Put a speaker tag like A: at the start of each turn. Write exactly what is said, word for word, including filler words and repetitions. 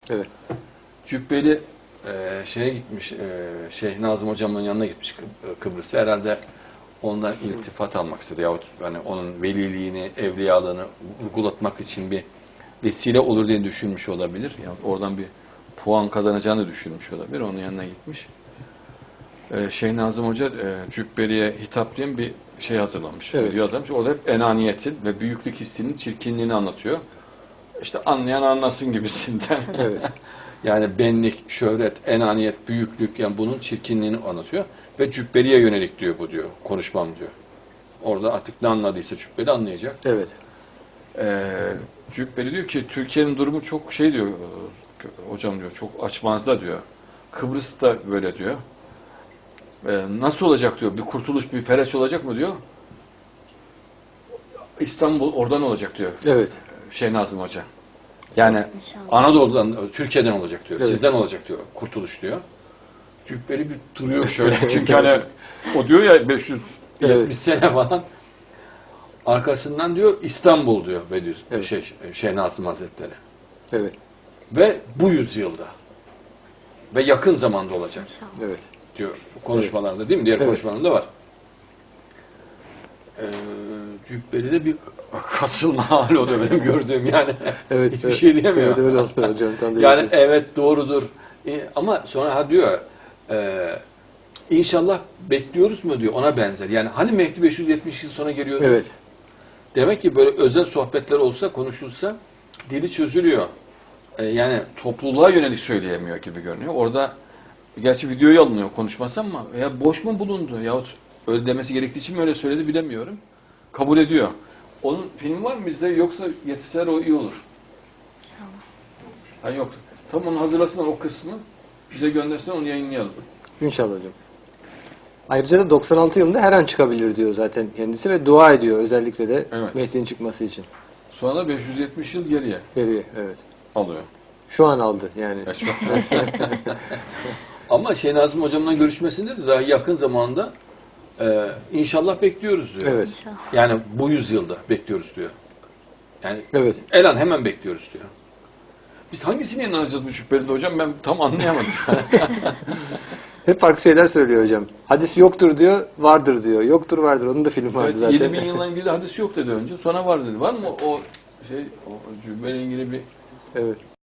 A: Evet.
B: Cübbeli e, şeye gitmiş, e, Şeyh Nazım hocamın yanına gitmiş Kıb- Kıbrıs'a. Herhalde ondan iltifat almak istedi. Yahut hani onun veliliğini, evliyalığını vurgulatmak için bir vesile olur diye düşünmüş olabilir. Yani oradan bir puan kazanacağını düşünmüş olabilir. Onun yanına gitmiş. Ee, Şeyh Nazım Hoca e, Cübbeli'ye hitap diye bir şey hazırlamış.
A: Evet.
B: Video hazırlamış. Orada hep enaniyetin ve büyüklük hissinin çirkinliğini anlatıyor. İşte anlayan anlasın gibisinden.
A: Evet.
B: Yani benlik, şöhret, enaniyet, büyüklük, yani bunun çirkinliğini anlatıyor. Ve Cübbeli'ye yönelik diyor bu diyor. Konuşmam diyor. Orada artık ne anladıysa Cübbeli anlayacak.
A: Evet.
B: Ee, Cübbeli diyor ki Türkiye'nin durumu çok şey diyor. Hocam diyor çok açmazda diyor. Kıbrıs da böyle diyor. Ee, nasıl olacak diyor. Bir kurtuluş, bir fereç olacak mı diyor. İstanbul oradan olacak diyor.
A: Evet.
B: Şeyh Nazım Hoca. Yani
C: İnşallah.
B: Anadolu'dan, Türkiye'den olacak diyor.
A: Evet.
B: Sizden olacak diyor. Kurtuluş diyor. Cübbeli bir duruyor şöyle. Çünkü hani o diyor ya beş yüz yetmiş
A: Evet.
B: sene falan. Arkasından diyor İstanbul diyor Bediüz,
A: Evet.
B: şey, Şeyh Nazım Hazretleri.
A: Evet.
B: Ve bu yüzyılda ve yakın zamanda olacak
C: İnşallah.
A: Evet.
B: diyor konuşmalarda, değil mi? Diğer
A: Evet.
B: konuşmalarında var. Ee, Cübbeli'de bir kasılma hali oluyor benim gördüğüm yani.
A: Evet.
B: Hiçbir
A: evet.
B: şey diyemiyor.
A: Evet öyle oldu hocam. Tam da
B: Yani
A: yani,
B: evet doğrudur. E, ama sonra ha diyor e, inşallah bekliyoruz mu diyor, ona benzer. Yani hani Mehdi beş yüz yetmiş yıl sonra geliyordu.
A: Evet.
B: Demek ki böyle özel sohbetler olsa, konuşulsa dili çözülüyor. E, yani topluluğa yönelik söyleyemiyor gibi görünüyor. Orada gerçi videoyu alınıyor konuşması ama ya boş mu bulundu yahut öyle demesi gerektiği için mi öyle söyledi bilemiyorum. Kabul ediyor. Onun filmi var mı bizde, yoksa yetişseler o iyi olur.
C: İnşallah.
B: Ha yok. Tam onu hazırlasınlar o kısmı. Bize göndersinler, onu yayınlayalım.
A: İnşallah hocam. Ayrıca da doksan altı yılında her an çıkabilir diyor zaten kendisi ve dua ediyor özellikle de
B: Evet.
A: Mehdi'nin çıkması için.
B: Sonra da beş yüz yetmiş yıl geriye
A: Veriyor. Evet.
B: alıyor.
A: Şu an aldı yani.
B: Ya şu an- Ama Şeyh Nazım hocamla görüşmesinde de daha yakın zamanda e, inşallah bekliyoruz diyor.
A: Evet.
C: İnşallah.
B: Yani bu yüzyılda bekliyoruz diyor. Yani
A: Evet.
B: elan hemen bekliyoruz diyor. Biz hangisine inanacağız bu Cübbeli'de hocam? Ben tam anlayamadım.
A: Hep farklı şeyler söylüyor hocam. Hadis yoktur diyor, vardır diyor. Yoktur vardır. Onun da filmi vardı
B: Evet,
A: zaten.
B: yedi bin yılla ilgili hadis yok dedi önce. Sonra var dedi. Var mı o şey, o Cübbeli'yle ilgili bir
A: Evet.